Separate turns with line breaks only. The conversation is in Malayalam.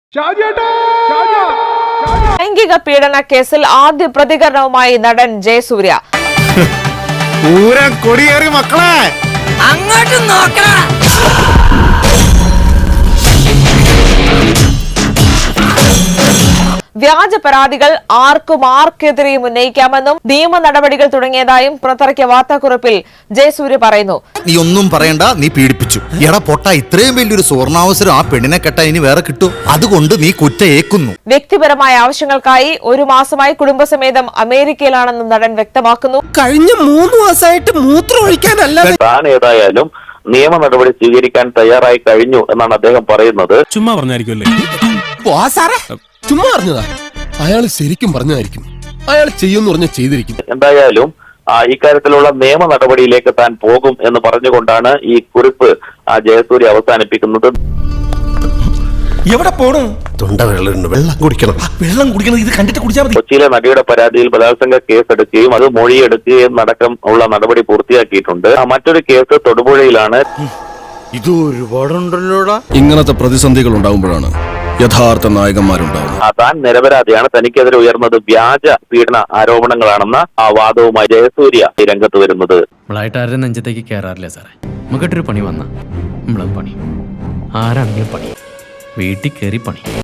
ലൈംഗിക പീഡന കേസിൽ ആദ്യ പ്രതികരണവുമായി നടൻ ജയസൂര്യ.
കൊടിയേറി മക്കളെ
അങ്ങോട്ട് നോക്കണ.
വ്യാജ പരാതികൾ ആർക്കെതിരെയും ഉന്നയിക്കാമെന്നും നിയമ നടപടികൾ തുടങ്ങിയതായും പുറത്തിറക്കിയ വാർത്താക്കുറിപ്പിൽ ജയസൂര്യ പറയുന്നു.
നീ ഒന്നും പറയണ്ട, നീ പീഡിപ്പിച്ചു. എടാ പൊട്ട, ഇത്രയും വലിയൊരു സുവർണാവസരം ആ പെണ്ണിനെ കെട്ടാ ഇനി വേറെ കിട്ടും. അതുകൊണ്ട് നീ കുറ്റയേക്കുന്നു.
വ്യക്തിപരമായ ആവശ്യങ്ങൾക്കായി 1 മാസമായി കുടുംബസമേതം അമേരിക്കയിലാണെന്നും നടൻ വ്യക്തമാക്കുന്നു.
കഴിഞ്ഞ 3 മാസമായിട്ട് മൂത്രം ഒഴിക്കാനല്ല.
താൻ ഏതായാലും നിയമ നടപടി സ്വീകരിക്കാൻ തയ്യാറായി കഴിഞ്ഞു എന്നാണ് അദ്ദേഹം പറയുന്നത്.
ചുമ്മാ പറഞ്ഞായിരിക്കുമല്ലേ?
ചുമ്മാ പറഞ്ഞതാ. അയാൾ ശരിക്കും പറഞ്ഞതായിരിക്കും. അയാൾ ചെയ്യുമെന്ന് പറഞ്ഞ ചെയ്തിരിക്കും.
എന്തായാലും ഇക്കാര്യത്തിലുള്ള നിയമ നടപടിയിലേക്ക് താൻ പോകും എന്ന് പറഞ്ഞുകൊണ്ടാണ് ഈ കുറിപ്പ് ജയസൂര്യ അവസാനിപ്പിക്കുന്നത്.
എവിടെ പോണു?
തൊണ്ട വെള്ളം കുടിക്കണം.
വെള്ളം കുടിക്കണം. ഇത് കണ്ടിട്ട് കുടിച്ചാൽ മതി.
കൊച്ചിയിലെ നടിയുടെ പരാതിയിൽ ബലാത്സംഗ കേസെടുക്കുകയും അത് മൊഴിയെടുക്കുകയും അടക്കം ഉള്ള നടപടി പൂർത്തിയാക്കിയിട്ടുണ്ട്. മറ്റൊരു കേസ് തൊടുപുഴയിലാണ്.
ഇത് ഒരുപാടുണ്ടല്ലോടാ.
ഇങ്ങനത്തെ പ്രതിസന്ധികൾ ഉണ്ടാകുമ്പോഴാണ് യഥാർത്ഥ നായകന്മാരുണ്ടാവുന്നത്.
താൻ നിരപരാധിയാണ്, തനിക്കെതിരെ ഉയർന്നത് വ്യാജ പീഡന ആരോപണങ്ങളാണെന്ന വാദവുമായി ജയസൂര്യ രംഗത്ത് വരുന്നത്.
നമ്മളായിട്ട് ആരുടെ നെഞ്ചത്തേക്ക് കയറാറില്ല സാറേ. നമുക്കിട്ടൊരു പണി വന്ന നമ്മളത് പണി. ആരാണെങ്കിലും പണി. വീട്ടിൽ കയറി പണി.